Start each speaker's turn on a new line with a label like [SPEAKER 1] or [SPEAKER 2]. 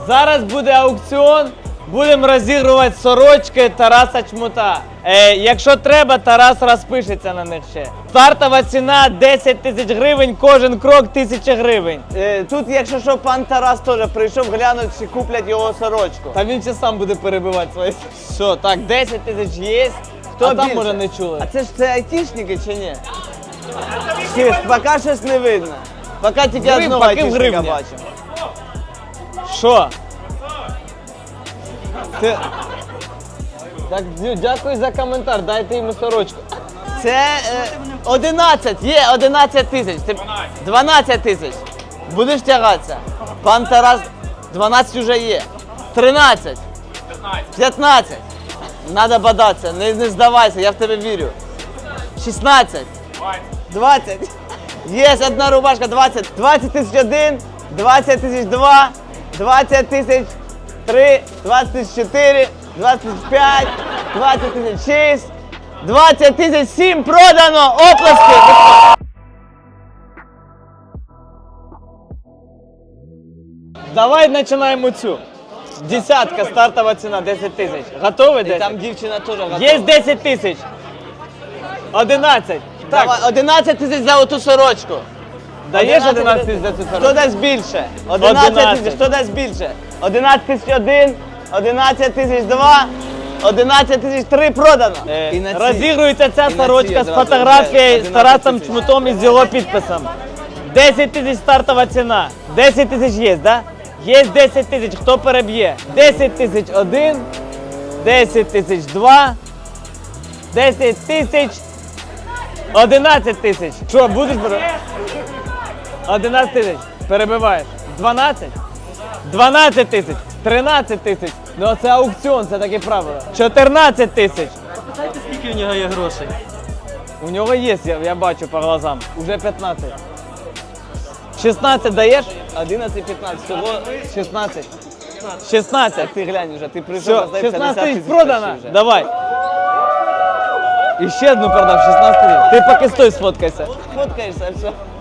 [SPEAKER 1] Зараз буде аукціон. Будемо розігрувати сорочки Тараса Чмута. Якщо треба, Тарас розпишеться на них ще. Стартова ціна 10 тисяч гривень, кожен крок 1000 гривень.
[SPEAKER 2] Тут, якщо що, пан Тарас теж прийшов глянути, чи куплять його сорочку.
[SPEAKER 1] Та він ще сам буде перебивати свої. Що, так, 10 тисяч є.
[SPEAKER 2] Хто
[SPEAKER 1] А там,
[SPEAKER 2] більше?
[SPEAKER 1] може, не чули.
[SPEAKER 2] А це айтішники чи ні? Поки щось не видно. Поки тільки
[SPEAKER 1] Гривня,
[SPEAKER 2] одного
[SPEAKER 1] поки в
[SPEAKER 2] айтішника
[SPEAKER 1] гривні.
[SPEAKER 2] бачимо.
[SPEAKER 1] Що? Ти... Так, дякую за коментар, дайте йому сорочку.
[SPEAKER 2] Це 11, є 11 тисяч. 12 тисяч. Будеш тягатися? Пан Тарас, 12 вже є. 13. 15. Надо бодатися, не здавайся, я в тебе вірю. 16. 20. Є одна рубашка, 20. 20 тисяч 1, 20 тисяч 2, 20 тисяч 3, 20 тисяч 4, 20 тисяч 5, 20 тисяч 6, 20 тисяч 7 продано! Оплески!
[SPEAKER 1] Давай починаємо цю. Десятка, стартова ціна, 10 тисяч. Готовий 10?
[SPEAKER 2] Там дівчина теж готова.
[SPEAKER 1] Є 10 тисяч. 11.
[SPEAKER 2] Давай,
[SPEAKER 1] Так,
[SPEAKER 2] 11 тисяч за оту сорочку.
[SPEAKER 1] даєш 11 тисяч за цю
[SPEAKER 2] Хто
[SPEAKER 1] сорочку?
[SPEAKER 2] дасть більше? 11 тисяч,
[SPEAKER 1] 11.
[SPEAKER 2] хто дасть більше? 11 тисяч 1, 11 тисяч 2, 11 тисяч 3 продано. І на ці.
[SPEAKER 1] Розігрується ця
[SPEAKER 2] І на ці
[SPEAKER 1] сорочка з
[SPEAKER 2] одразу
[SPEAKER 1] фотографією
[SPEAKER 2] вже
[SPEAKER 1] з Тарасом
[SPEAKER 2] 11
[SPEAKER 1] Чмутом і з його підписом. 10 тисяч стартова ціна. 10 тисяч є, да? Є 10 тисяч, хто переб'є? 10 тисяч 1, 10 тисяч 2, 10 тисяч, 11 тисяч. Що, будеш брати? 11 тисяч. Перебиваєш. 12? 12 тисяч. 13 тисяч. Ну це аукціон, це таке правило. 14 тисяч.
[SPEAKER 3] Питайте, скільки у нього є грошей.
[SPEAKER 1] У нього є, я бачу по глазам. Уже 15. 16 даєш?
[SPEAKER 2] 11, 15, всього
[SPEAKER 1] 16. 16.
[SPEAKER 2] ти глянь вже, ти прийшов,
[SPEAKER 1] Все,
[SPEAKER 2] роздай
[SPEAKER 1] 16
[SPEAKER 2] 50
[SPEAKER 1] тисяч
[SPEAKER 2] тисяч
[SPEAKER 1] продано.
[SPEAKER 2] вже.
[SPEAKER 1] Давай. І ще одну продав, 16 тисяч. Ти поки стой сфоткайся.
[SPEAKER 2] Фоткаєшся, все.